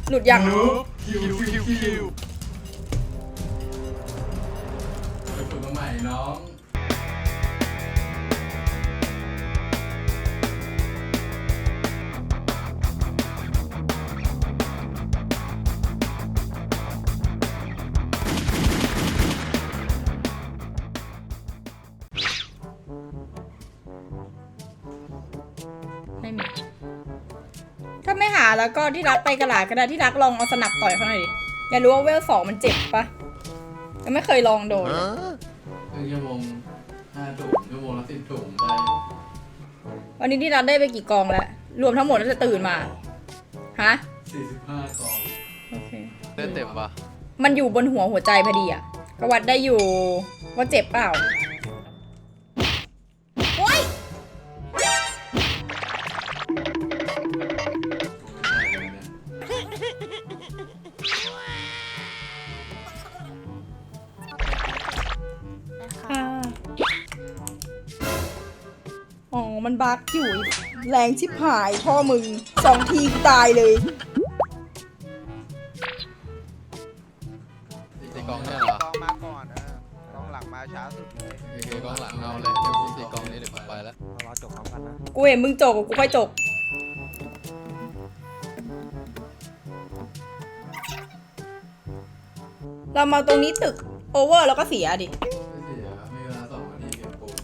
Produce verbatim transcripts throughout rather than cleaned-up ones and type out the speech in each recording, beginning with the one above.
หลุดยังคิวคิวคิวไปฝึกมาใหม่น้องไม่มีถ้าไม่หาแล้วก็ที่รักไปกระหลาดก็ได้ที่รักลองเอาสนับต่อยเขาหน่อยดิอยากรู้ว่าเวลสองมันเจ็บปะยังไม่เคยลองโดนครึ่งชั่วโมงห้าถุงชั่วโมงละสิบถุงได้วันนี้ที่รักได้ไปกี่กองแล้วรวมทั้งหมดแล้วจะตื่นมาฮะสี่สิบห้ากองโอเคได้เต็มปะมันอยู่บนหัวหัวใจพอดีอ่ะก็วัดได้อยู่ว่าเจ็บเปล่าโอ๊ยอ๋อมันบั๊กอยู่แรงชิบหายพ่อมึงสองทีตายเลยตีกองเนี่ยเหรอกองมาก่อนเออกองหลังมาช้าสุดเลยตีกองหลังเอาเลยเดี๋ยวกูตีกองนี้เดี๋ยวกูไปแล้วรอจบพร้อมกันนะกูเห็นมึงจกกูค่อยจกเรามาตรงนี้ตึกโอเวอร์แล้วก็เสียดิไม่เสียมีเวลาสองนาทีเก็บปูน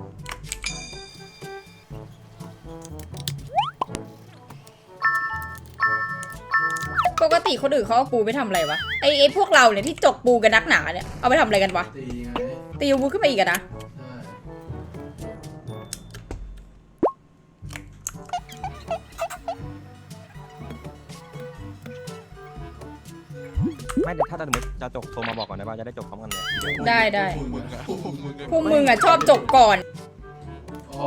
ปกติคนอื่นเขาเอาปูไปทำอะไรวะไอไอพวกเราเนี่ยที่จกปูกันนักหนาเนี่ยเอาไปทำอะไรกันวะตีไงตีปูขึ้นไปอีกอะนะไม่เดี๋ยวถ้าสมมติจะจบโทรมาบอกก่อนได้ป่ะจะได้จบพร้อมกันเลยได้ได้พวกมึงอะชอบจกก่อนอ๋อ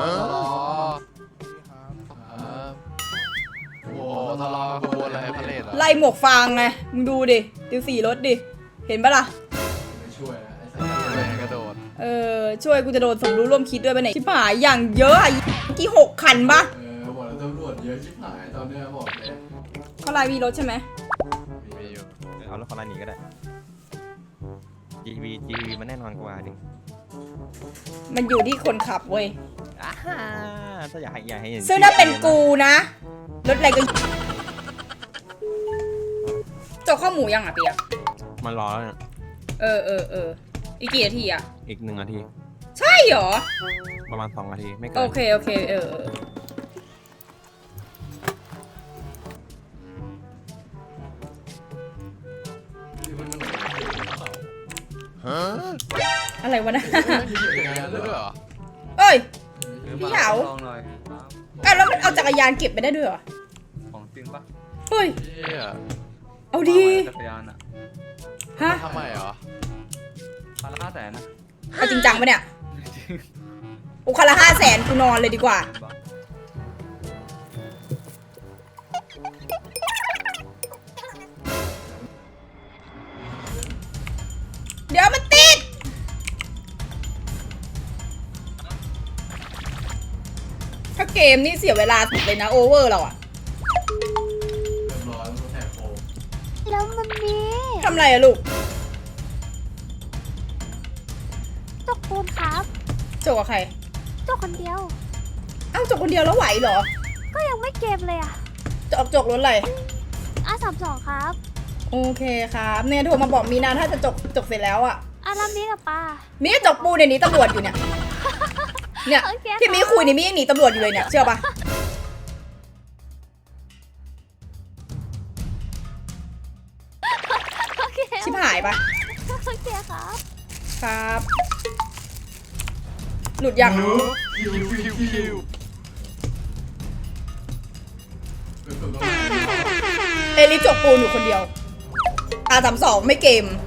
โอ้ทะเลาะกับอะไรพะเลดเหรอไล่หมวกฟางไงมึงดูดิติวสี่รถดิเห็นปะล่ะไม่ช่วยนะไอ้สัตว์กระโดดเออช่วยกูจะโดนสมรู้ร่วมคิดด้วยไปไหนชิบหายอย่างเยอะอะกี่หกคันปะเออบอกแล้วตำรวจเยอะชิบหายตอนเนี้ยบอกเลยเขาไล่มีรถใช่ไหมมีอยู่เอารถเขาไล่หนีก็ได้ จี วี จี วี มันแน่นอนกว่าดิมันอยู่ที่คนขับเว้ยถ้าอยากให้อยากให้เห็นซึ่งถ้าเป็นกูนะรถอะไรก็จกข้าวหมูยังอ่ะเปียกมันรอแล้วเนี่ยเออเออเอออีกกี่นาทีอ่ะอีกหนึ่งนาทีใช่เหรอประมาณสองนาทีไม่เกินโอเคโอเคเอออะไรวะนะเอ้ยพี่เหาอ่ะแล้วมันเอาจักรยานเก็บไปได้ด้วยเหรอของจริงปะเฮ้ยเอาดีจักรยานอะฮะทำไมเหรอพันละห้าแสนนะเอาจริงจังปะเนี่ยโอ้คันละห้าแสนกูนอนเลยดีกว่าเดี๋ยวมันติดถ้าเกมนี่เสียเวลาสุดเลยนะโอเวอร์เราอะเรียบร้อยแล้วแท็กโฟมแล้วมันมีทำอะไรอะลูกจกปูนครับจกกับใครจกคนเดียวอ้าวจกคนเดียวแล้วไหวเหรอก็ยังไม่เกมเลยอะจกจกรถอะไรอ่ะสามสองครับโอเคครับเนี่ยโทรมาบอกมีนาถ้าจะจกจกเสร็จแล้วอะอ่ะแล้วมีกับป้ามีจกปูในนี้ตำรวจอยู่เนี่ยเนี่ยที่มีคุยนี่มียังหนีตำรวจอยู่เลยเนี่ยเชื่อปะชิบหายปะโอเคครับครับหลุดยังคิวคิวคิวเอลิจกปูนอยู่คนเดียวอาสามสองไม่เกม